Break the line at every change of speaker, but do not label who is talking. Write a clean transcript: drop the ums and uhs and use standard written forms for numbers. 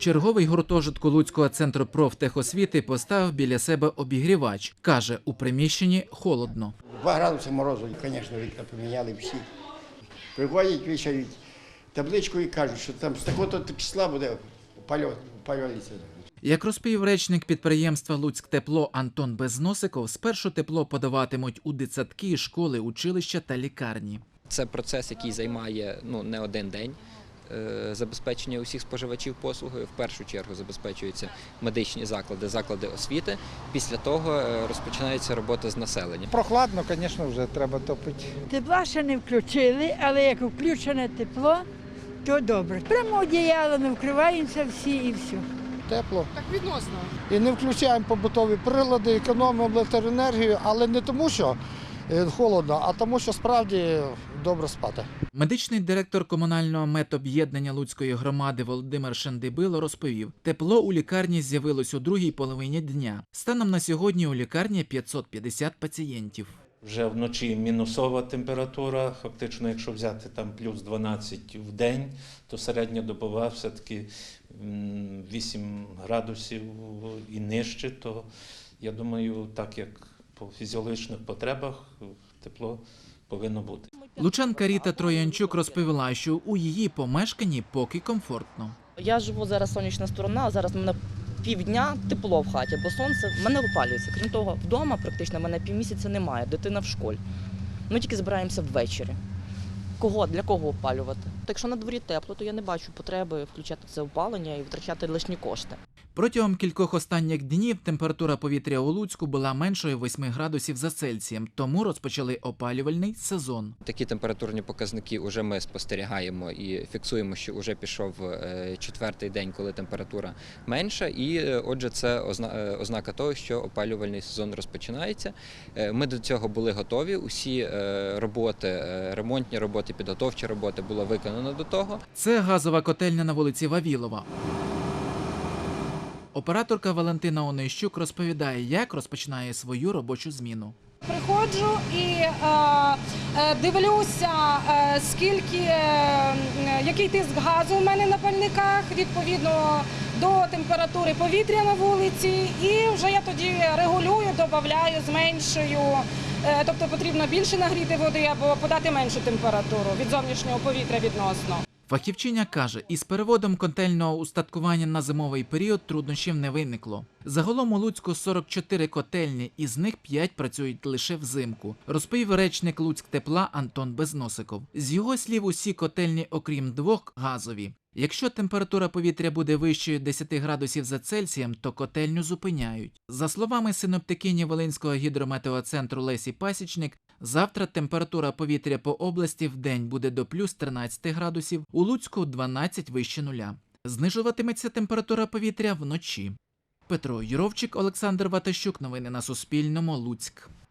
Черговий гуртожитку Луцького центру профтехосвіти поставив біля себе обігрівач. Каже, у приміщенні холодно.
2 градуси морозу, звісно, вікна поміняли всі. Приходять, вішають табличку і кажуть, що там з такого-то числа буде опалюватися.
Як розповів речник підприємства «Луцьктепло» Антон Безносиков, спершу тепло подаватимуть у дитсадки, школи, училища та лікарні.
Це процес, який займає не один день. Забезпечення усіх споживачів послуги. В першу чергу забезпечуються медичні заклади, заклади освіти. Після того розпочинається робота з населенням.
Прохладно, звісно, вже треба топити.
Тепла ще не включили, але як включене тепло, то добре. Прямо одіялами вкриваємося всі і все.
Тепло.
Так відносно.
І не включаємо побутові прилади, економимо електроенергію, але не тому, що холодно, а тому, що справді добре спати.
Медичний директор комунального медоб'єднання Луцької громади Володимир Шендибило розповів, тепло у лікарні з'явилось у другій половині дня. Станом на сьогодні у лікарні 550 пацієнтів.
Вже вночі мінусова температура, фактично, якщо взяти там плюс 12 в день, то середньодобова все-таки 8 градусів і нижче, то я думаю, так як по фізіологічних потребах тепло повинно бути.
Лучанка Ріта Троянчук розповіла, що у її помешканні поки комфортно.
Я живу зараз сонячна сторона, а зараз в мене півдня тепло в хаті, бо сонце в мене опалюється. Крім того, вдома практично в мене півмісяця немає, дитина в школі. Ми тільки збираємося ввечері. Для кого опалювати? Так якщо на дворі тепло, то я не бачу потреби включати це опалення і витрачати лишні кошти.
Протягом кількох останніх днів температура повітря у Луцьку була меншою 8 градусів за Цельсієм, тому розпочали опалювальний сезон.
Такі температурні показники вже ми спостерігаємо і фіксуємо, що вже пішов 4-й день, коли температура менша, і отже це ознака того, що опалювальний сезон розпочинається. Ми до цього були готові, усі роботи, ремонтні роботи, підготовчі роботи було виконано до того.
Це газова котельня на вулиці Вавілова. Операторка Валентина Онищук розповідає, як розпочинає свою робочу зміну.
Приходжу і дивлюся, який тиск газу в мене на пальниках, відповідно до температури повітря на вулиці. І вже я тоді регулюю, додаю, зменшую. Тобто потрібно більше нагріти води або подати меншу температуру від зовнішнього повітря відносно.
Фахівчиня каже, із переводом котельного устаткування на зимовий період труднощів не виникло. Загалом у Луцьку 44 котельні, із них 5 працюють лише взимку, розповів речник Луцьктепла Антон Безносиков. З його слів, усі котельні, окрім 2, газові. Якщо температура повітря буде вищою 10 градусів за Цельсієм, то котельню зупиняють. За словами синоптикині Волинського гідрометеоцентру Лесі Пасічник, завтра температура повітря по області в день буде до плюс 13 градусів, у Луцьку 12 вище нуля. Знижуватиметься температура повітря вночі. Петро Юровчик, Олександр Ватащук. Новини на Суспільному. Луцьк.